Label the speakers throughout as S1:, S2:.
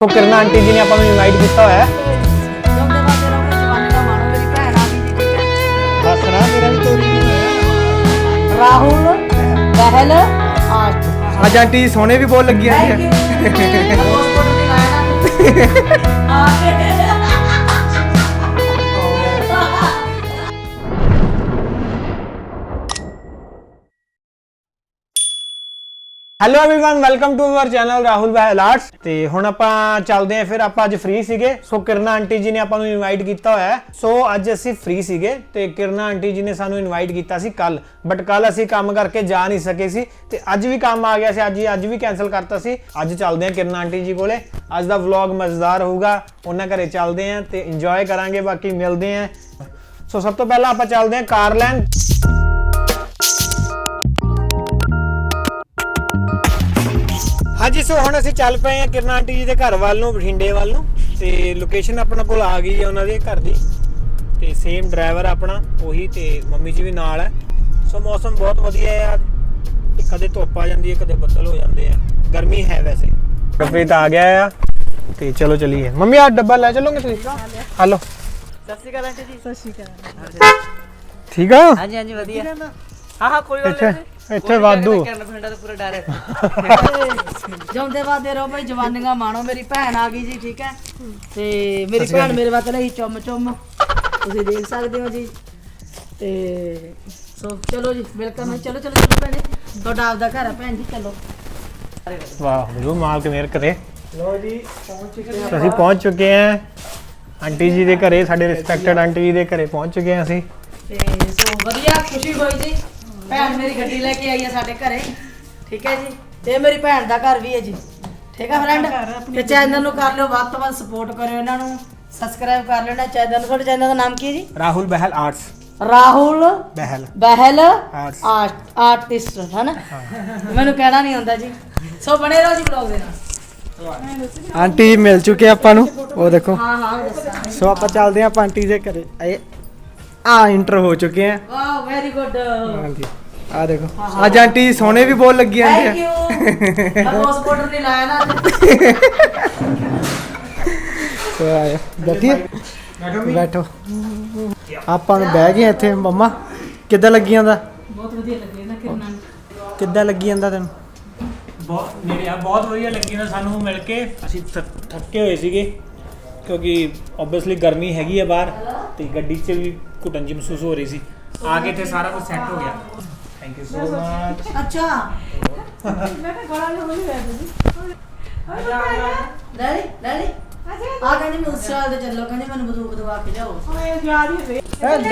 S1: तो किरणा आंटी जी ने अपन इनवाइट किया हुआ है। हसना मेरा भी तो
S2: राहुल बहल
S1: आज आंटी सोने भी बहुत लगी है। Hello everyone welcome to our channel Rahul Bahal arts. ਤੇ ਹੁਣ ਆਪਾਂ ਚੱਲਦੇ ਆਂ। ਫਿਰ ਆਪਾਂ ਅੱਜ ਫ੍ਰੀ ਸੀਗੇ, ਸੋ ਕਿਰਨਾ ਆਂਟੀ ਜੀ ਨੇ ਆਪਾਂ ਨੂੰ ਇਨਵਾਈਟ ਕੀਤਾ ਹੋਇਆ ਹੈ। ਸੋ ਅੱਜ ਅਸੀਂ ਫ੍ਰੀ ਸੀਗੇ ਤੇ ਕਿਰਨਾ ਆਂਟੀ ਜੀ ਨੇ ਸਾਨੂੰ ਇਨਵਾਈਟ ਕੀਤਾ ਸੀ ਕੱਲ, ਬਟ ਕੱਲ ਅਸੀਂ ਕੰਮ ਕਰਕੇ ਜਾ ਨਹੀਂ ਸਕੇ ਸੀ ਤੇ ਅੱਜ ਵੀ ਕੰਮ ਆ ਗਿਆ ਸੀ, ਅੱਜ ਵੀ ਕੈਨਸਲ ਕਰਤਾ ਸੀ। ਅੱਜ ਚੱਲਦੇ ਆਂ ਕਿਰਨਾ ਆਂਟੀ ਜੀ ਕੋਲੇ। ਅੱਜ ਦਾ ਵਲੌਗ ਮਜ਼ੇਦਾਰ ਹੋਊਗਾ, ਉਹਨਾਂ ਘਰੇ ਚੱਲਦੇ ਆਂ ਤੇ ਇੰਜੋਏ ਕਰਾਂਗੇ, ਬਾਕੀ ਮਿਲਦੇ ਆਂ। ਸੋ ਸਭ ਤੋਂ ਪਹਿਲਾਂ ਆਪਾਂ ਚੱਲਦੇ ਆਂ ਕਾਰ ਲੈਣ। हाँ जी, सो हम असीं चल पे किरणा आंटी जी के घर वाल नूं, बठिंडे वाल नूं। ते लोकेशन अपने कोल आ गई है उन्होंने घर की, ते सेम ड्राइवर अपना उही, ते मम्मी जी भी नाल है। सो मौसम बहुत वधिया है आज, कदे धुप आ जाती है, कदे बदल हो जाते हैं, गर्मी है वैसे। गुरप्रीत आ गया है ते चलो चलिए। मम्मी आज डब्बा लै चलोगे तुसीं? हेलो
S2: सत श्री अकाल आंटी जी। सत श्री अकाल।
S1: ठीक है?
S2: हाँ जी हाँ जी वधिया। हाँ हाँ कोई गल नहीं।
S1: ਇੱਥੇ ਵਾਧੂ
S2: ਪੂਰਾ ਡਰ ਹੈ। ਜਿਉਂਦੇ ਵਾਦੇ ਰਹੋ ਭਾਈ, ਜਵਾਨੀਆਂ ਮਾਣੋ। ਮੇਰੀ ਭੈਣ ਆ ਗਈ ਜੀ, ਠੀਕ ਹੈ। ਤੇ ਮੇਰੀ ਭੈਣ ਮੇਰੇ ਵਾਸਤੇ ਲਈ ਚੁੰਮ ਚੁੰਮ, ਤੁਸੀਂ ਦੇਖ ਸਕਦੇ ਹੋ ਜੀ। ਤੇ ਸੋ ਚਲੋ ਜੀ, ਵੈਲਕਮ ਹੈ। ਚਲੋ ਚਲੋ ਚਲੋ ਭੈਣੇ, ਤੁਹਾਡਾ ਆਪਦਾ ਘਰ ਹੈ ਭੈਣ ਜੀ, ਚਲੋ।
S1: ਵਾਹ ਗੁਰੂ ਮਾਲਕ ਮਿਹਰ ਕਰੇ। ਲੋ ਜੀ ਅਸੀਂ ਪਹੁੰਚ ਚੁੱਕੇ ਹਾਂ ਆਂਟੀ ਜੀ ਦੇ ਘਰੇ, ਸਾਡੇ ਰਿਸਪੈਕਟਡ ਆਂਟੀ ਜੀ ਦੇ ਘਰੇ ਪਹੁੰਚ ਚੁੱਕੇ ਹਾਂ ਅਸੀਂ।
S2: ਤੇ ਸੋ ਵਧੀਆ ਖੁਸ਼ੀ ਹੋਈ ਜੀ, ਭੈਣ ਮੇਰੀ ਗੱਡੀ ਲੈ ਕੇ ਆਈ ਹੈ ਸਾਡੇ ਘਰੇ, ਠੀਕ ਹੈ ਜੀ। ਤੇ ਮੇਰੀ ਭੈਣ ਦਾ ਘਰ ਵੀ ਹੈ ਜੀ, ਠੀਕ ਹੈ ਫਰੈਂਡ। ਤੇ ਚੈਨਲ ਨੂੰ ਕਰ ਲਿਓ ਵੱਧ ਤੋਂ ਵੱਧ ਸਪੋਰਟ ਕਰਿਓ, ਇਹਨਾਂ ਨੂੰ ਸਬਸਕ੍ਰਾਈਬ ਕਰ ਲੈਣਾ ਚੈਨਲ ਨੂੰ। ਤੁਹਾਡੇ ਚੈਨਲ ਦਾ ਨਾਮ ਕੀ ਹੈ ਜੀ?
S1: Rahul Behal arts.
S2: Rahul Behal
S1: arts
S2: artist ਹੈ ਨਾ, ਮੈਨੂੰ ਕਹਿਣਾ ਨਹੀਂ ਆਉਂਦਾ ਜੀ। ਸੋ ਬਣੇ ਰਹੋ ਜੀ ਵਲੌਗ ਦੇ ਨਾਲ।
S1: ਆਂਟੀ ਮਿਲ ਚੁੱਕੇ ਆਪਾਂ ਨੂੰ, ਉਹ ਦੇਖੋ।
S2: ਹਾਂ ਹਾਂ ਦੱਸਾਂ।
S1: ਸੋ ਆਪਾਂ ਚੱਲਦੇ ਆਂ ਆਂਟੀ ਦੇ ਘਰੇ। इंटर हो चुके हैं।
S2: वाह वेरी गुड।
S1: हाँ जी, आ देखो आज आंटी सोने भी बहुत लगी हैं।
S2: Thank you. अब उस पाउडर नहीं लाया ना।
S1: तो आया बैठिए, बैठो। ਆਪਾਂ ਨੂੰ ਬਹਿ ਗਏ ਇੱਥੇ। ਮੰਮਾ ਕਿੱਦਾਂ ਲੱਗੀ ਜਾਂਦਾ?
S2: ਬਹੁਤ ਵਧੀਆ ਲੱਗੇ ਨਾ ਕਿਰਨਾ।
S1: ਕਿੱਦਾਂ ਲੱਗੀ ਜਾਂਦਾ ਤੈਨੂੰ?
S3: ਬਹੁਤ ਨੇੜੇ ਆ, ਬਹੁਤ ਵਧੀਆ ਲੱਗੀ ਨਾ ਸਾਨੂੰ ਮਿਲ ਕੇ। ਅਸੀਂ ਥੱਕੇ ਹੋਏ ਸੀਗੇ ਕਿਉਂਕਿ ਓਬਵੀਅਸਲੀ ਗਰਮੀ ਹੈਗੀ ਆ ਬਾਹਰ, ਤੇ ਗੱਡੀ 'ਚ ਵੀ ਘੁਟਨ ਜਿਹੀ ਮਹਿਸੂਸ ਹੋ ਰਹੀ ਸੀ। ਆ ਕੇ ਇੱਥੇ ਸਾਰਾ ਕੁਝ ਸੈੱਟ ਹੋ ਗਿਆ। Thank you so much.
S2: अच्छा मैं तो गला में होली है जी। डैडी डैडी आ कहने में उस साल दे चलो, कहने मैंने बंदूक दबा के जाओ। ओए जा रही है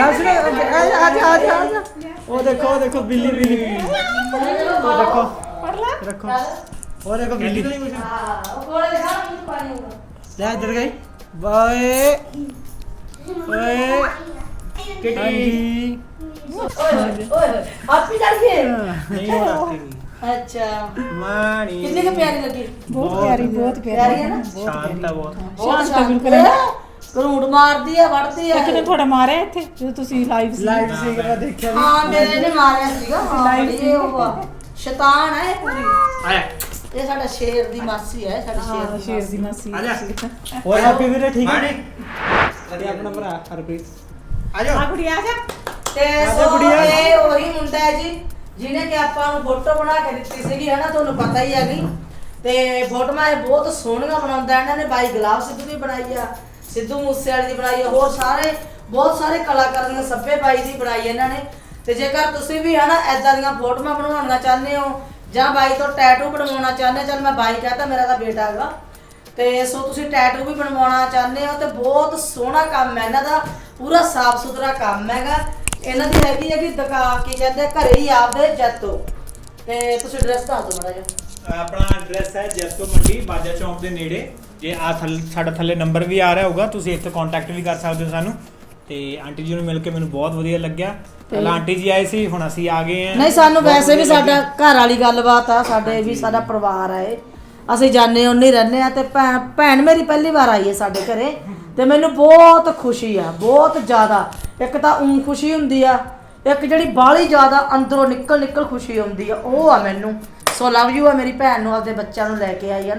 S1: ਉਹ ਦੇਖੋ ਬਿੱਲੀ ਉਹ ਦੇਖੋ ਰੱਖੋ, ਉਹ ਦੇਖੋ ਬਿੱਲੀ।
S2: हां वो कोड़े दिखा मुझे पानी होगा।
S1: ਲੈ ਇੱਧਰ ਗਈ ਬਾਏ ਓਏ ਕਿੱਟੀ।
S2: ओए आप भी जा रही है?
S1: ਨਹੀਂ ਹੋ ਰਹੀ
S2: अच्छा
S1: ਮਾਣੀ।
S2: कितनी की प्यारी लगी?
S4: बहुत
S2: प्यारी है ना,
S1: ਸ਼ਾਂਤ ਆ ਬਹੁਤ।
S2: बहुत शांत। ਕਰੂੜ ਮਾਰਦੀ ਆ, ਵੜਦੀ ਆ।
S4: ਇੱਕ ਨੇ ਤੁਹਾਡਾ ਮਾਰਿਆ ਇੱਥੇ ਜਦੋਂ ਤੁਸੀਂ ਲਾਈਵ ਸੀ?
S1: ਲਾਈਵ ਸੀ ਕਿ ਮੈਂ ਦੇਖਿਆ ਵੀ।
S2: ਹਾਂ ਮੇਰੇ ਨੇ ਮਾਰਿਆ ਸੀਗਾ। ਲਾਈਵ ਸੀ ਉਹ ਸ਼ੈਤਾਨ ਹੈ ਪੂਰੀ।
S1: ਆਇਆ
S2: ਇਹ ਸਾਡਾ ਸ਼ੇਰ ਦੀ ਮਾਸੀ ਹੈ, ਸਾਡੀ
S4: ਹਾਂ
S2: ਸ਼ੇਰ
S4: ਸ਼ੇਰ ਦੀ ਮਾਸੀ।
S1: ਹੋਰ ਹੈਪੀ ਵੀਰੇ ਠੀਕ ਹੈ? ਤੇ ਆਪਣਾ ਭਰਾ ਹਰਪ੍ਰੀਤ ਆ ਜਾਓ।
S4: ਆ ਕੁੜੀ ਆ ਜਾ।
S2: ਤੇ ਸੋ ਇਹ ਉਹੀ ਮੁੰਡਾ ਹੈ ਜੀ ਜਿਹਨੇ ਕਿ ਆਪਾਂ ਨੂੰ ਫੋਟੋ ਬਣਾ ਕੇ ਦਿੱਤੀ ਸੀਗੀ, ਹੈ ਨਾ, ਤੁਹਾਨੂੰ ਪਤਾ ਹੀ ਹੈਗੀ। ਤੇ ਫੋਟੋਆਂ ਇਹ ਬਹੁਤ ਸੋਹਣੀਆਂ ਬਣਾਉਂਦਾ ਇਹਨਾਂ ਨੇ। ਬਾਈ ਗੁਲਾਬ ਸਿੱਧੂ ਦੀ ਬਣਾਈ ਆ, ਸਿੱਧੂ ਮੂਸੇਵਾਲੇ ਦੀ ਬਣਾਈ ਆ, ਹੋਰ ਬਹੁਤ ਸਾਰੇ ਕਲਾਕਾਰਾਂ ਦੀਆਂ, ਸੱਭੇ ਬਾਈ ਦੀ ਬਣਾਈ ਇਹਨਾਂ ਨੇ। ਤੇ ਜੇਕਰ ਤੁਸੀਂ ਵੀ ਹੈ ਨਾ ਐਦਾਂ ਦੀਆਂ ਫੋਟੋਆਂ ਬਣਵਾਉਣੀਆਂ ਚਾਹੁੰਦੇ ਹੋ ਜਾਂ ਬਾਈ ਤੋਂ ਟੈਟੂ ਬਣਵਾਉਣਾ ਚਾਹੁੰਦੇ ਹੋ, ਚੱਲ ਮੈਂ ਬਾਈ ਕਹਤਾ, ਮੇਰਾ ਤਾਂ ਬੇਟਾ ਹੈਗਾ। ਤੇ ਸੋ ਤੁਸੀਂ ਟੈਟੂ ਵੀ ਬਣਵਾਉਣਾ ਚਾਹੁੰਦੇ ਹੋ ਤੇ ਬਹੁਤ ਸੋਹਣਾ ਕੰਮ ਹੈ ਇਹਨਾਂ ਦਾ, ਪੂਰਾ ਸਾਫ ਸੁਥਰਾ ਕੰਮ ਹੈਗਾ। ਇਹਨਾਂ ਦੀ ਹੈਗੀ ਕਿ ਦੁਕਾਨ ਕੀ ਕਹਿੰਦੇ ਘਰੇ ਹੀ ਆਪਦੇ ਜੱਤੋ। ਤੇ ਤੁਸੀਂ ਐਡਰੈਸ ਦੱਸ ਦਿਓ ਮਾੜਾ ਜਿਹਾ।
S3: ਆਪਣਾ ਐਡਰੈਸ ਹੈ ਜੈਤੋ ਮੰਡੀ, ਬਾਜਾ ਚੌਂਕ ਦੇ ਨੇੜੇ। ਜੇ ਆ ਸਾਡਾ ਥੱਲੇ ਨੰਬਰ ਵੀ ਆ ਰਿਹਾ ਹੋਊਗਾ, ਤੁਸੀਂ ਇੱਥੇ ਕੰਟੈਕਟ ਵੀ ਕਰ ਸਕਦੇ ਹੋ ਸਾਨੂੰ। ਤੇ ਆਂਟੀ ਜੀ ਨੂੰ ਮਿਲ ਕੇ ਮੈਨੂੰ ਬਹੁਤ ਵਧੀਆ ਲੱਗਿਆ। ਪਹਿਲਾਂ ਆਂਟੀ ਜੀ ਆਏ ਸੀ, ਹੁਣ ਅਸੀਂ ਆ ਗਏ ਹਾਂ।
S2: ਨਹੀਂ ਸਾਨੂੰ ਵੈਸੇ ਵੀ ਸਾਡਾ ਘਰ ਵਾਲੀ ਗੱਲਬਾਤ ਆ, ਸਾਡੇ ਵੀ ਸਾਡਾ ਪਰਿਵਾਰ ਆ, ਇਹ ਅਸੀਂ ਜਾਣੇ ਉਹਨੇ ਰਹਿੰਦੇ ਆ। ਤੇ ਭੈਣ ਮੇਰੀ ਪਹਿਲੀ ਵਾਰ ਆਈ ਹੈ ਸਾਡੇ ਘਰੇ ਤੇ ਮੈਨੂੰ ਬਹੁਤ ਖੁਸ਼ੀ ਆ, ਬਹੁਤ ਜ਼ਿਆਦਾ। ਇੱਕ ਤਾਂ ਖੁਸ਼ੀ ਹੁੰਦੀ ਆ, ਇੱਕ ਜਿਹੜੀ ਬਾਹਲੀ ਜ਼ਿਆਦਾ ਅੰਦਰੋਂ ਨਿਕਲ ਖੁਸ਼ੀ ਹੁੰਦੀ ਆ, ਉਹ ਆ ਮੈਨੂੰ। ਸੋ ਲਵ ਯੂ ਆ ਮੇਰੀ ਭੈਣ ਨੂੰ, ਆਪਦੇ ਬੱਚਿਆਂ ਨੂੰ ਲੈ ਕੇ ਆਈ ਹੈ ਨਾ।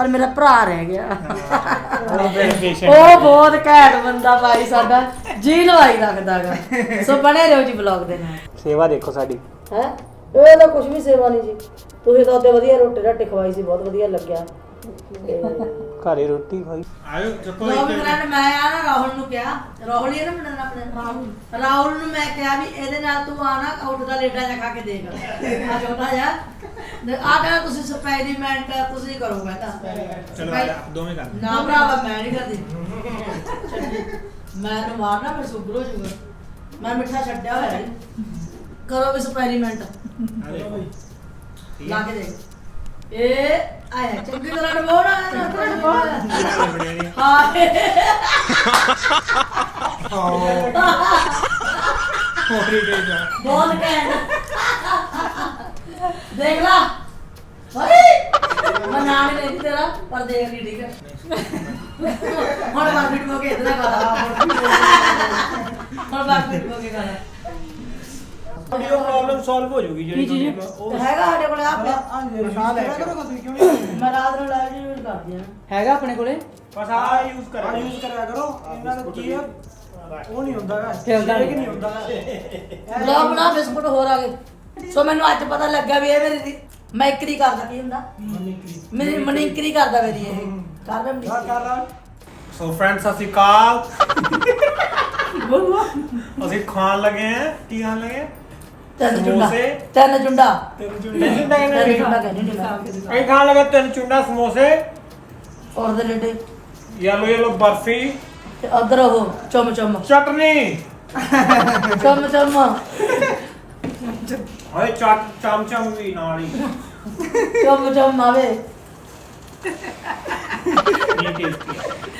S2: ਪਰ ਮੇਰਾ ਭਰਾ ਰਹਿ ਗਿਆ
S3: ਉਹ ਫਿਰ patient
S2: ਉਹ ਬਹੁਤ ਘੈਂਟ ਬੰਦਾ ਭਾਈ ਸਾਡਾ ਜੀ ਲਵਾਈ ਰੱਖਦਾਗਾ ਸੋ ਬਣੇ ਰਹੋ ਜੀ ਵਲੌਗ ਦੇ ਨਾਲ
S3: ਸੇਵਾ ਦੇਖੋ ਸਾਡੀ
S2: ਹੈ ਇਹ ਤਾਂ ਕੁਝ ਵੀ ਸੇਵਾ ਨਹੀਂ ਜੀ ਤੁਸੀਂ ਤਾਂ ਉੱਤੇ ਵਧੀਆ ਰੋਟੀ ਰਾਟੀ ਖਵਾਈ ਸੀ ਬਹੁਤ ਵਧੀਆ ਲੱਗਿਆ
S3: ਘਰੇ ਰੋਟੀ ਖਾਈ ਆਇਓ ਚੱਕੋ
S2: ਲੋ ਵੀ ਫਰੈਂਡ ਮੈਂ ਆ ਨਾ ਰਾਹੁਲ ਨੂੰ ਕਿਹਾ ਰਾਹੁਲ ਹੀ ਹੈ ਨਾ ਮੁੰਡਾ ਦਾ ਆਪਣੇ ਰਾਹੁਲ ਨੂੰ ਮੈਂ ਕਿਹਾ ਵੀ ਇਹਦੇ ਨਾਲ ਤੂੰ ਆ ਨਾ ਆਊਟ ਦਾ ਲੇਡਾ ਜਾ ਖਾ ਕੇ ਦੇਖ ਆ ਛੋਟਾ ਜਾ ਆ ਕਹਿੰਦਾ ਤੁਸੀਂ ਐਕਸਪੈਰੀਮੈਂਟ ਤੁਸੀਂ ਕਰੋ ਕਹਿੰਦਾ
S3: ਚਲੋ ਆ ਜਾ ਦੋਵੇਂ ਕਰ
S2: ਨਾ ਭਰਾਵਾ ਮੈਂ ਨਹੀਂ ਕਰਦੀ ਮੈਂ ਨੂੰ ਮਾਰਨਾ ਫਿਰ ਸ਼ੂਗਰ ਹੋ ਜਾਊਗਾ ਮੈਂ ਮਿੱਠਾ ਛੱਡਿਆ ਹੋਇਆ ਹੈ ਕਰੋ ਐਕਸਪੈਰੀਮੈਂਟ
S3: ਆ ਦੇਖੋ
S2: ਲਾ ਕੇ ਦੇਖ ਇਹ ਆਇਆ ਚੰਗੀ ਤਰ੍ਹਾਂ ਨਵਾਉਣਾ ਹਾਂ
S3: ਹੋਰੀ ਦੇ ਜਾ
S2: ਬਹੁਤ ਘੈਂਟ ਦੇਖ ਲਾ ਭਾਈ ਮੈਂ ਨਾਮ ਨਹੀਂ ਤੇਰਾ ਪਰ ਦੇਖ ਲਈ ਠੀਕ ਹੈ ਹੁਣ ਬਾਅਦ ਵਿੱਚ ਮੋਕੇ ਇਤਨਾ ਕਰਾ ਹੁਣ ਬਾਅਦ ਵਿੱਚ ਮੋਕੇ ਕਰਾ
S3: ਵੀਡੀਓ ਪ੍ਰੋਬਲਮ ਸੋਲਵ ਹੋ ਜੂਗੀ
S2: ਕੀ ਚੀਜ਼ ਹੈਗਾ ਸਾਡੇ ਕੋਲੇ ਆ ਪਿਆ ਮੈਂ ਰਾਤ ਨੂੰ ਲਾਈਵ ਯੂਜ਼ ਕਰਦੀ ਆ ਹੈਗਾ ਆਪਣੇ ਕੋਲੇ
S3: ਬਸ ਆ ਯੂਜ਼ ਕਰਿਆ ਕਰੋ ਇਹਨਾਂ ਨੂੰ ਕੀ ਉਹ ਨਹੀਂ ਹੁੰਦਾ
S2: ਖੇਲਦਾ
S3: ਨਹੀਂ ਹੁੰਦਾ
S2: ਬਲੌਗ ਬਣਾ ਬਿਸਕੁਟ ਹੋਰ ਆ ਗਏ ਸੋ ਮੈਨੂੰ ਅੱਜ ਪਤਾ ਲੱਗਾ ਵੀ ਇਹ ਮੇਰੀ ਮੈਕਰੀ ਕਰਦਾ ਕੀ ਹੁੰਦਾ ਮੇਰੀ ਮਨਿੰਕਰੀ ਕਰਦਾ ਮੇਰੀ ਇਹ ਕਰਦਾ
S3: ਸੋ ਫਰੈਂਡਸ ਅਸੀਂ ਕਾਲ ਅਸੀਂ ਖਾਣ ਲੱਗੇ ਆ ਕੀ ਖਾਣ ਲੱਗੇ
S2: ਤਿੰਨ ਚੁੰਡਾ
S3: ਸਮੋਸੇ।
S2: ਤਿੰਨ ਚੁੰਡਾ
S3: ਤਿੰਨ
S2: ਤਿੰਨ ਚੁੰਡਾ ਕਹਿੰਦੇ ਨੇ
S3: ਅਸੀਂ ਖਾਣ ਲੱਗੇ 3 ਚੁੰਡਾ ਸਮੋਸੇ
S2: ਔਰ ਦੇ ਲੇਡੇ
S3: ਯੈਲੋ ਬਰਫੀ
S2: ਤੇ ਉਧਰ ਉਹ ਚਮ ਚਮ
S3: ਚਟਨੀ
S2: ਚਮ ਚਮ
S3: ਓਏ ਚਮ ਵੀ ਨਾਲ ਹੀ
S2: ਚਮ ਚਮ ਆਵੇ
S3: ਇਹ ਟੇਸਟੀ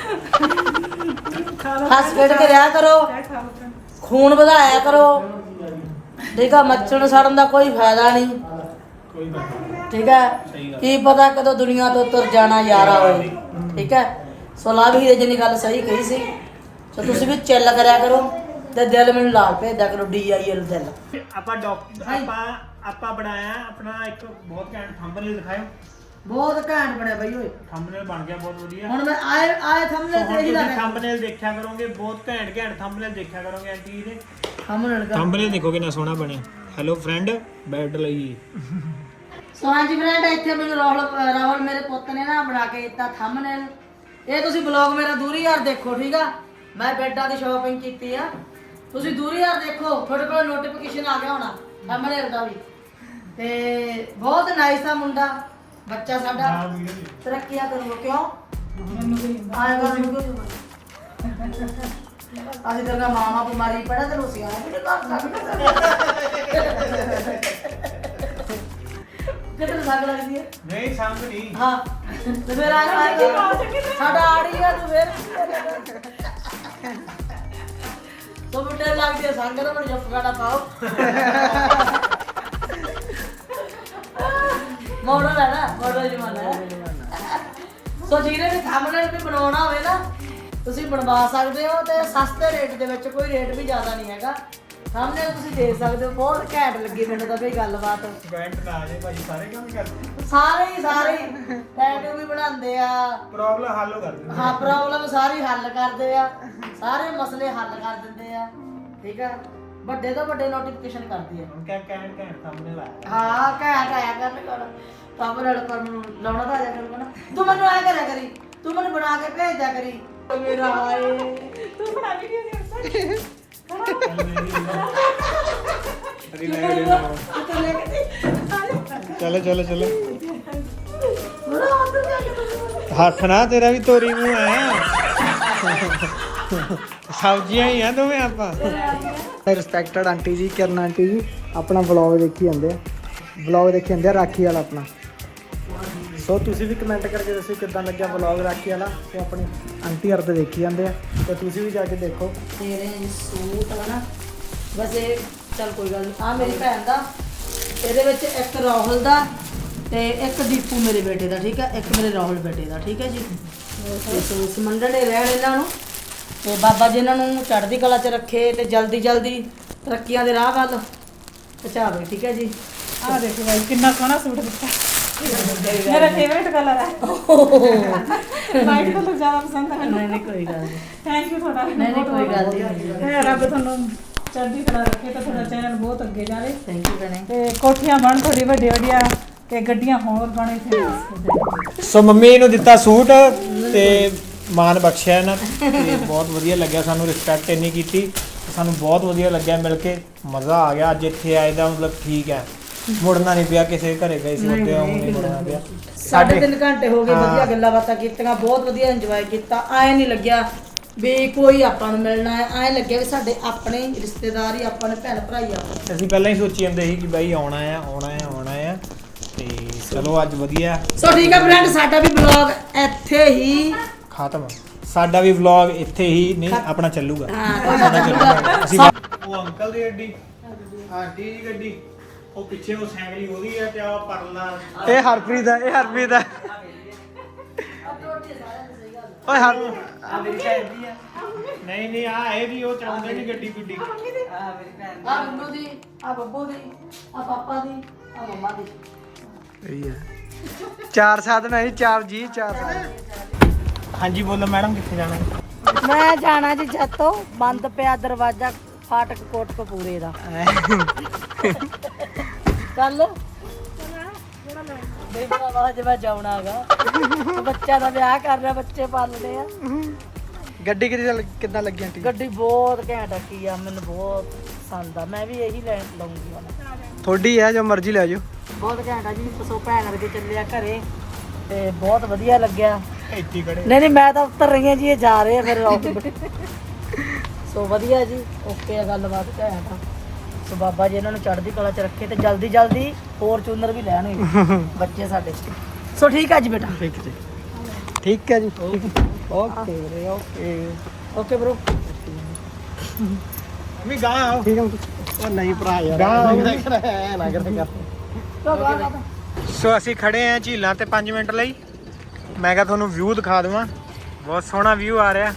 S2: ਹੱਸ ਖੇਡ ਕੇ ਰਿਹਾ ਕਰੋ ਖੂਨ ਵਧਾਇਆ ਕਰੋ ਠੀਕ ਆ ਮੱਛਰ ਸੜਨ ਦਾ ਕੋਈ ਫਾਇਦਾ ਨਹੀਂ
S3: ਕੋਈ ਗੱਲ
S2: ਠੀਕ ਹੈ ਕੀ ਪਤਾ ਕਦੋਂ ਦੁਨੀਆ ਤੋਂ ਤੁਰ ਜਾਣਾ ਯਾਰਾ ਹੋਏ ਠੀਕ ਹੈ ਸੋ ਲਾਭ ਹੀਰੇ ਜੀ ਨੇ ਗੱਲ ਸਹੀ ਕਹੀ ਸੀ ਸੋ ਤੁਸੀਂ ਵੀ ਚਿੱਲ ਕਰਿਆ ਕਰੋ ਤੇ ਦਿਲ ਮੈਨੂੰ ਲਾਲ ਭੇਜਦਾ ਕਰੋ DIL ਦਿਲ
S3: ਆਪਾਂ ਆਪਾਂ ਬਣਾਇਆ ਆਪਣਾ ਇੱਕ ਬਹੁਤ ਘੈਂਟ ਥੰਬਨੇਲ ਦਿਖਾਇਓ
S2: ਬਹੁਤ ਘੈਂਟ ਬਣਿਆ ਬਈ ਓਏ
S3: ਥੰਬਨੇਲ ਬਣ ਗਿਆ ਬਹੁਤ ਵਧੀਆ
S2: ਹੁਣ ਮੈਂ ਆਏ ਥੰਬਨੇਲ ਤੇ ਹੀ ਲੱਗਾ
S3: ਥੰਬਨੇਲ ਦੇਖਿਆ ਕਰੋਗੇ ਬਹੁਤ ਘੈਂਟ ਥੰਬਨੇਲ ਦੇਖਿਆ ਕਰੋਗੇ ਆਂਟੀ ਦੇ
S2: ਥੰਬਨੇਲ ਦਾ
S3: ਥੰਬਨੇਲ ਦੇਖੋ ਕਿੰਨਾ ਸੋਹਣਾ ਬਣਿਆ ਹੈਲੋ ਫਰੈਂਡ ਬੈਡ ਲਈ
S2: ਸੋ ਹਾਂਜੀ ਫਰੈਂਡ ਇੱਥੇ ਮੈਨੂੰ ਰਾਹੁਲ ਮੇਰੇ ਪੁੱਤ ਨੇ ਨਾ ਬਣਾ ਕੇ ਦਿੱਤਾ ਥੰਬਨੇਲ ਇਹ ਤੁਸੀਂ ਬਲੌਗ ਮੇਰਾ ਦੂਰੀ ਯਾਰ ਦੇਖੋ ਠੀਕ ਆ ਮੈਂ ਬੈਡਾਂ ਦੀ ਸ਼ਾਪਿੰਗ ਕੀਤੀ ਆ ਤੁਸੀਂ ਦੂਰੀ ਯਾਰ ਦੇਖੋ ਤੁਹਾਡੇ ਕੋਲ ਨੋਟੀਫਿਕੇਸ਼ਨ ਆ ਗਿਆ ਹੋਣਾ ਥੰਬਨੇਲ ਦਾ ਵੀ ਤੇ ਬਹੁਤ ਨਾਈਸ ਆ ਮੁੰਡਾ ਬੱਚਾ ਸਾਡਾ ਤਰੱਕੀਆਂ ਕਰੂਗਾ ਕਿਉਂ ਆਏਗਾ ਮੈਨੂੰ ਅਸੀਂ ਤੇਰਾ ਮਾਮਾ ਬਿਮਾਰੀ ਪੜਾ ਤੇ ਰੋਸੀ ਆਇਆ ਵੀ ਕਰ ਸਕਦੇ ਕਿਤੇ ਲੱਗ ਲੱਗਦੀ ਹੈ
S3: ਨਹੀਂ ਸੰਗ ਨਹੀਂ
S2: ਹਾਂ ਤੇ ਫਿਰ ਆ ਸਾਡਾ ਆੜੀ ਆ ਤੂੰ ਫਿਰ ਤੋ ਮੁੰਡੇ ਲੱਗਦੀ ਹੈ ਸੰਗ ਦਾ ਮੈਨੂੰ ਜੱਫਗਾੜਾ ਪਾਓ ਮੋਡਲ ਹੈ ਨਾ ਮੋਡਲ ਜਮਾਨਾ ਹੈ ਸੋ ਜਿਹਨੇ ਵੀ ਥੰਬਨੇਲ ਵੀ ਬਣਾਉਣਾ ਹੋਵੇ ਨਾ ਤੁਸੀਂ ਬਣਵਾ ਸਕਦੇ ਹੋ ਤੇ ਸਸਤੇ ਰੇਟ ਦੇ ਵਿੱਚ ਕੋਈ ਰੇਟ ਵੀ ਜ਼ਿਆਦਾ ਨਹੀਂ ਹੈਗਾ ਥੰਬਨੇਲ ਤੁਸੀਂ ਦੇਖ ਸਕਦੇ ਹੋ ਬਹੁਤ ਘੈਂਟ ਲੱਗੀ ਮੈਨੂੰ ਤਾਂ ਬਈ ਗੱਲਬਾਤ
S3: ਕਮੈਂਟ ਨਾ ਆ ਜੇ ਭਾਈ ਸਾਰੇ ਕੰਮ ਕਰਦੇ
S2: ਸਾਰੇ ਟੈਟੂ ਵੀ ਬਣਾਉਂਦੇ ਆ
S3: ਪ੍ਰੋਬਲਮ ਹੱਲ ਕਰ ਦਿੰਦੇ
S2: ਹਾਂ ਪ੍ਰੋਬਲਮ ਸਾਰੀ ਹੱਲ ਕਰਦੇ ਆ ਸਾਰੇ ਮਸਲੇ ਹੱਲ ਕਰ ਦਿੰਦੇ ਆ ਠੀਕ ਆ ਵੱਡੇ ਤੋਂ ਵੱਡੇ ਨੋਟੀਫਿਕੇਸ਼ਨ ਕਰਦੀ ਆ
S3: ਹੁਣ ਘੈਂਟ ਥੰਬਨੇਲ ਆਇਆ
S2: ਹਾਂ ਘੈਂਟ ਆਇਆ ਕਰਨ ਥੰਬਨੇਲ ਕਰਨ ਨੂੰ ਲਾਉਣਾ ਤਾਂ ਆਇਆ ਕਰੂਗਾ ਨਾ ਤੂੰ ਮੈਨੂੰ ਐ ਕਰਿਆ ਕਰੀ ਤੂੰ ਮੈਨੂੰ ਬਣਾ ਕੇ ਭੇਜ ਦਿਆ ਕਰੀ ਮੇਰਾ ਹਾਏ
S4: ਤੂੰ ਬਣਾ ਵੀਡੀਓ ਦੇ
S3: ਚਲੋ ਹੱਥ ਨਾ ਤੇਰਾ ਵੀ ਤੋਰੀ ਮੂੰਹ ਹੈ ਸਬਜ਼ੀਆਂ ਹੀ ਆ ਦੋਵੇਂ ਆਪਾਂ
S1: ਰਿਸਪੈਕਟਡ ਆਂਟੀ ਜੀ ਕਿਰਨ ਆਂਟੀ ਜੀ ਆਪਣਾ ਵਲੌਗ ਦੇਖੀ ਜਾਂਦੇ ਆ ਰਾਖੀ ਵਾਲਾ ਆਪਣਾ ਸੋ ਤੁਸੀਂ ਵੀ ਕਮੈਂਟ ਕਰਕੇ ਦੱਸੋ ਕਿੱਦਾਂ ਲੱਗਿਆ ਵਲੌਗ ਰਾਖੀ ਵਾਲਾ ਤੇ ਆਪਣੀ ਆਂਟੀ ਹਰ ਤੇ ਦੇਖੀ ਜਾਂਦੇ ਆ ਤੇ ਤੁਸੀਂ ਵੀ ਜਾ ਕੇ ਦੇਖੋ
S2: ਤੇਰੇ ਸੂਟ ਆ ਨਾ ਬਸ ਇਹ ਚੱਲ ਕੋਈ ਗੱਲ ਨਹੀਂ ਆ ਮੇਰੀ ਭੈਣ ਦਾ ਇਹਦੇ ਵਿੱਚ ਇੱਕ ਰਾਹੁਲ ਦਾ ਤੇ ਇੱਕ ਦੀਪੂ ਮੇਰੇ ਬੇਟੇ ਦਾ ਠੀਕ ਹੈ ਇੱਕ ਮੇਰੇ ਰਾਹੁਲ ਬੇਟੇ ਦਾ ਠੀਕ ਹੈ ਜੀ ਤੇ ਸੋ ਸਮੰਡਣੇ ਰਹਿਣ ਇਹਨਾਂ ਨੂੰ ਤੇ ਬਾਬਾ ਜੀ ਇਹਨਾਂ ਨੂੰ ਚੜ੍ਹਦੀ ਕਲਾ 'ਚ ਰੱਖੇ ਤੇ ਜਲਦੀ ਜਲਦੀ ਤਰੱਕੀਆਂ ਦੇ ਰਾਹ ਵੱਲ ਪਹੁੰਚਾਵੇ ਠੀਕ ਹੈ ਜੀ
S4: ਆਹ ਦੇਖੋ ਬਾਈ ਕਿੰਨਾ ਸੋਹਣਾ ਸੂਟ ਦਿੱਤਾ मेरा फेवरेट कलर है वाइट कलर ज्यादा पसंद है
S2: ਨਹੀਂ ਕੋਈ ਗੱਲ ਨਹੀਂ
S4: थैंक यू थोड़ा
S2: नहीं, कोई गल नहीं।
S4: रब ਤੁਹਾਨੂੰ ਚੜ੍ਹਦੀ ਕਲਾ ਰੱਖੇ ਤੇ ਤੁਹਾਡਾ ਚੈਨਲ ਬਹੁਤ ਅੱਗੇ ਜਾਵੇ
S2: ਥੈਂਕ ਯੂ ਭੈਣੇ
S4: ਤੇ ਕੋਠੀਆਂ ਬਣ ਥੋੜੀ ਵੱਡੀ ਵੱਡੀਆਂ ਤੇ ਗੱਡੀਆਂ ਹੋਰ ਬਣੇ ਫੇਮਸ
S3: ਸੋ ਮੰਮੀ ਨੂੰ ਦਿੱਤਾ ਸੂਟ ਤੇ ਮਾਨ ਬਖਸ਼ਿਆ ਇਹਨਾਂ ਤੇ ਬਹੁਤ ਵਧੀਆ ਲੱਗਿਆ ਸਾਨੂੰ ਰਿਸਪੈਕਟ ਇੰਨੀ ਕੀਤੀ ਸਾਨੂੰ ਬਹੁਤ ਵਧੀਆ ਲੱਗਿਆ ਮਿਲ ਕੇ ਮਜ਼ਾ ਆ ਗਿਆ ਅੱਜ ਇੱਥੇ ਆਏ ਦਾ ਮਤਲਬ ਠੀਕ ਹੈ ਮੁੜਨਾ ਨਹੀਂ ਪਿਆ ਕਿਸੇ ਘਰੇ ਗਏ ਸੀ ਉੱਤੇ ਹੁਣ ਨਹੀਂ ਮੁੜਨਾ ਪਿਆ
S2: 3.5 ਘੰਟੇ ਹੋ ਗਏ ਵਧੀਆ ਗੱਲਾਂ ਬਾਤਾਂ ਕੀਤੀਆਂ ਬਹੁਤ ਵਧੀਆ ਇੰਜੋਏ ਕੀਤਾ ਐ ਨਹੀਂ ਲੱਗਿਆ ਵੀ ਕੋਈ ਆਪਾਂ ਨੂੰ ਮਿਲਣਾ ਹੈ ਐ ਲੱਗਿਆ ਵੀ ਸਾਡੇ ਆਪਣੇ ਰਿਸ਼ਤੇਦਾਰ ਹੀ ਆਪਾਂ ਨੇ ਭੈਣ ਭਰਾ ਹੀ ਆ
S3: ਅਸੀਂ ਪਹਿਲਾਂ ਹੀ ਸੋਚੀ ਜਾਂਦੇ ਸੀ ਕਿ ਬਾਈ ਆਉਣਾ ਆ ਤੇ ਚਲੋ ਅੱਜ ਵਧੀਆ
S2: ਸੋ ਠੀਕ ਹੈ ਫਰੈਂਡ ਸਾਡਾ ਵੀ ਬਲੌਗ ਇੱਥੇ ਹੀ
S3: ਖਤਮ ਸਾਡਾ ਵੀ ਵਲੌਗ ਇੱਥੇ ਹੀ ਨਹੀਂ ਆਪਣਾ ਚੱਲੂਗਾ
S2: ਹਾਂ
S3: ਅਸੀਂ ਉਹ ਅੰਕਲ ਦੀ ਗੱਡੀ ਆਂਟੀ ਦੀ ਗੱਡੀ ਉਹ ਪਿੱਛੇ ਉਹ ਸਾਈਕਲ ਉਹਦੀ ਆ ਤੇ ਆ ਪਰਲਾ
S1: ਇਹ ਹਰਪ੍ਰੀਤ ਹੈ ਓਏ ਹਰ
S3: ਨਹੀਂ ਆ ਇਹ ਵੀ ਉਹ ਚਲਾਉਂਦੇ ਨਹੀਂ ਗੱਡੀ ਗੁੱਡੀ
S2: ਆ ਬਿੰਦੂ ਦੀ ਆ ਬੱਬੂ ਦੀ ਆ ਪਾਪਾ ਦੀ ਆ ਮੰਮਾ ਦੀ
S1: ਸਹੀ ਹੈ 4 ਸਾਧਨ ਹੈ 4 ਜੀ 4 ਸਾਧਨ
S3: ਹਾਂਜੀ ਬੋਲੋ ਮੈਡਮ ਕਿੱਥੇ ਜਾਣਾ
S2: ਮੈਂ ਜਾਣਾ ਜੀ ਜੱਤੋਂ ਬੰਦ ਪਿਆ ਦਰਵਾਜ਼ਾ ਫਾਟਕ ਕੋਟਕਪੂਰੇ ਦਾ ਕੱਲ ਬੇਬਾ ਬਾਅਦ ਮੈਂ ਜਾਉਣਾਗਾ ਬੱਚਾ ਦਾ ਵਿਆਹ ਕਰ ਰਿਹਾ ਬੱਚੇ ਪਾਲਣੇ ਆ
S1: ਗੱਡੀ ਕਿੱਦਾਂ ਲੱਗੀ ਆਂਟੀ
S2: ਗੱਡੀ ਬਹੁਤ ਘੈਂਟ ਕੀ ਆ ਮੈਨੂੰ ਬਹੁਤ ਪਸੰਦ ਆ ਮੈਂ ਵੀ ਇਹੀ ਲੈ ਲਵਾਂਗੀ ਹੁਣ
S1: ਤੁਹਾਡੀ ਹੈ ਜੋ ਮਰਜ਼ੀ ਲੈ ਜਾਓ
S2: ਬਹੁਤ ਘੈਂਟ ਆ ਜੀ ਸੋ ਭੈਣ ਵਰਗੇ ਚੱਲਿਆ ਘਰੇ ਤੇ ਬਹੁਤ ਵਧੀਆ ਲੱਗਿਆ
S3: ਇੱਥੇ ਖੜੇ
S2: ਨਹੀਂ ਮੈਂ ਤਾਂ ਉੱਤਰ ਰਹੀ ਹਾਂ ਜੀ ਇਹ ਜਾ ਰਹੇ ਆ ਫਿਰ ਸੋ ਵਧੀਆ ਜੀ ਓਕੇ ਆ ਗੱਲਬਾਤ ਘੈਂਟ ਆ ਸੋ ਬਾਬਾ ਜੀ ਇਹਨਾਂ ਨੂੰ ਚੜ੍ਹਦੀ ਕਲਾ ਚ ਰੱਖੇ ਤੇ ਜਲਦੀ ਜਲਦੀ ਫੋਰਚੂਨਰ ਵੀ ਲੈਣਗੇ ਬੱਚੇ ਸਾਡੇ ਸੋ ਠੀਕ ਆ ਜੀ ਬੇਟਾ
S1: ਠੀਕ ਹੈ ਜੀ ਓਕੇ ਵੀਰੇ
S2: ਓਕੇ ਬ్రో
S3: ਮੰਮੀ ਗਾਂ ਆਓ
S1: ਠੀਕ ਹੈ ਉਹ ਨਹੀਂ ਭਰਾ ਯਾਰ ਨਾ ਕਰ
S3: ਸੋ ਅਸੀਂ ਖੜੇ ਆਂ ਝੀਲਾਂ ਤੇ 5 ਮਿੰਟ ਲਈ ਮੈਂ ਕਿਹਾ ਤੁਹਾਨੂੰ ਵਿਊ ਦਿਖਾ ਦਵਾਂ ਬਹੁਤ ਸੋਹਣਾ ਵਿਊ ਆ ਰਿਹਾ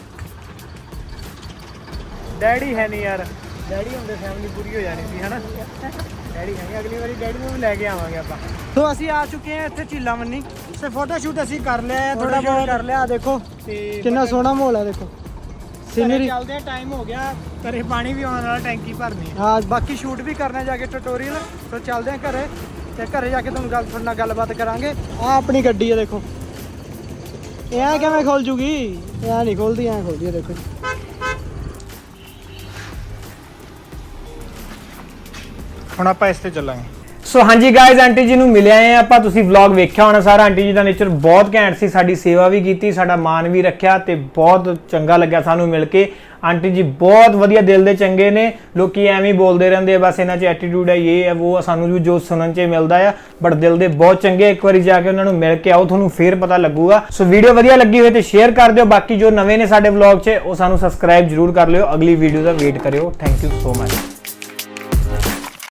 S3: ਡੈਡੀ ਹੈ ਨਹੀਂ ਯਾਰ ਡੈਡੀ ਹੁੰਦੇ ਫੈਮਿਲੀ ਪੂਰੀ ਹੋ ਜਾਣੀ ਸੀ ਹਨਾ ਡੈਡੀ ਹੈ ਨਹੀਂ ਅਗਲੀ ਵਾਰੀ ਡੈਡੀ ਨੂੰ ਵੀ ਲੈ ਕੇ ਆਵਾਂਗੇ ਆਪਾਂ
S1: ਸੋ ਅਸੀਂ ਆ ਚੁੱਕੇ ਹਾਂ ਇੱਥੇ ਝੀਲਾ ਮੰਨੀ
S3: ਸੇ ਫੋਟੋ ਸ਼ੂਟ ਅਸੀਂ ਕਰ ਲਿਆ
S1: ਥੋੜਾ ਬਹੁਤ ਕਰ ਲਿਆ ਦੇਖੋ
S3: ਤੇ
S1: ਕਿੰਨਾ ਸੋਹਣਾ ਮਾਹੌਲ ਹੈ ਦੇਖੋ ਸੀਨਰੀ
S3: ਚੱਲਦੇ ਟਾਈਮ ਹੋ ਗਿਆ ਘਰੇ ਪਾਣੀ ਵੀ ਆਉਣ ਵਾਲਾ ਟੈਂਕੀ ਭਰਨੀ ਹੈ
S1: ਹਾਂ ਬਾਕੀ ਸ਼ੂਟ ਵੀ ਕਰਨਾ ਜਾ ਕੇ ਟਿਊਟੋਰੀਅਲ ਸੋ ਚੱਲਦੇ ਹਾਂ ਘਰੇ ਤੇ ਘਰੇ ਜਾ ਕੇ ਤੁਹਾਨੂੰ ਤੁਹਾਡੇ ਨਾਲ ਗੱਲਬਾਤ ਕਰਾਂਗੇ ਆ ਆਪਣੀ ਗੱਡੀ ਹੈ ਦੇਖੋ ਇਹ ਐ ਕਿਵੇਂ ਖੋਲ ਜੂਗੀ ਇਹ ਐ ਨਹੀਂ ਖੋਲਦੀ ਐ ਖੋਲਦੀ ਹੈ ਦੇਖੋ
S3: ਹੁਣ ਆਪਾਂ ਇਸ ਤੇ ਚੱਲਾਂਗੇ
S1: ਸੋ ਹਾਂਜੀ ਗਾਇਜ਼ ਆਂਟੀ ਜੀ ਨੂੰ ਮਿਲਿਆ ਆਏ ਆਪਾਂ ਤੁਸੀਂ ਵਲੌਗ ਵੇਖਿਆ ਹੋਣਾ ਸਾਰਾ ਆਂਟੀ ਜੀ ਦਾ ਨੇਚਰ ਬਹੁਤ ਘੈਂਟ ਸੀ ਸਾਡੀ ਸੇਵਾ ਵੀ ਕੀਤੀ ਸਾਡਾ ਮਾਨ ਵੀ ਰੱਖਿਆ ਤੇ ਬਹੁਤ ਚੰਗਾ ਲੱਗਿਆ ਸਾਨੂੰ ਮਿਲ ਕੇ ਆਂਟੀ ਜੀ ਬਹੁਤ ਵਧੀਆ ਦਿਲ ਦੇ ਚੰਗੇ ਨੇ ਲੋਕੀ ਐਵੇਂ ਹੀ ਬੋਲਦੇ ਰਹਿੰਦੇ ਆ ਬਸ ਇਹਨਾਂ 'ਚ ਐਟੀਟਿਊਡ ਹੈ ਇਹ ਹੈ ਉਹ ਸਾਨੂੰ ਵੀ ਜੋ ਸੁਣਨ 'ਚ ਮਿਲਦਾ ਆ ਬਟ ਦਿਲ ਦੇ ਬਹੁਤ ਚੰਗੇ ਇੱਕ ਵਾਰੀ ਜਾ ਕੇ ਉਹਨਾਂ ਨੂੰ ਮਿਲ ਕੇ ਆਓ ਤੁਹਾਨੂੰ ਫੇਰ ਪਤਾ ਲੱਗੂਗਾ ਸੋ ਵੀਡੀਓ ਵਧੀਆ ਲੱਗੀ ਹੋਵੇ ਤੇ ਸ਼ੇਅਰ ਕਰ ਦਿਓ ਬਾਕੀ ਜੋ ਨਵੇਂ ਨੇ ਸਾਡੇ ਵਲੌਗ 'ਚ ਉਹ ਸਾਨੂੰ ਸਬਸਕ੍ਰਾਈਬ ਜ਼ਰੂਰ ਕਰ ਲਿਓ ਅਗਲੀ ਵੀਡੀਓ ਦਾ ਵੇਟ ਕਰਿਓ ਥੈਂਕ ਯੂ ਸੋ ਮਚ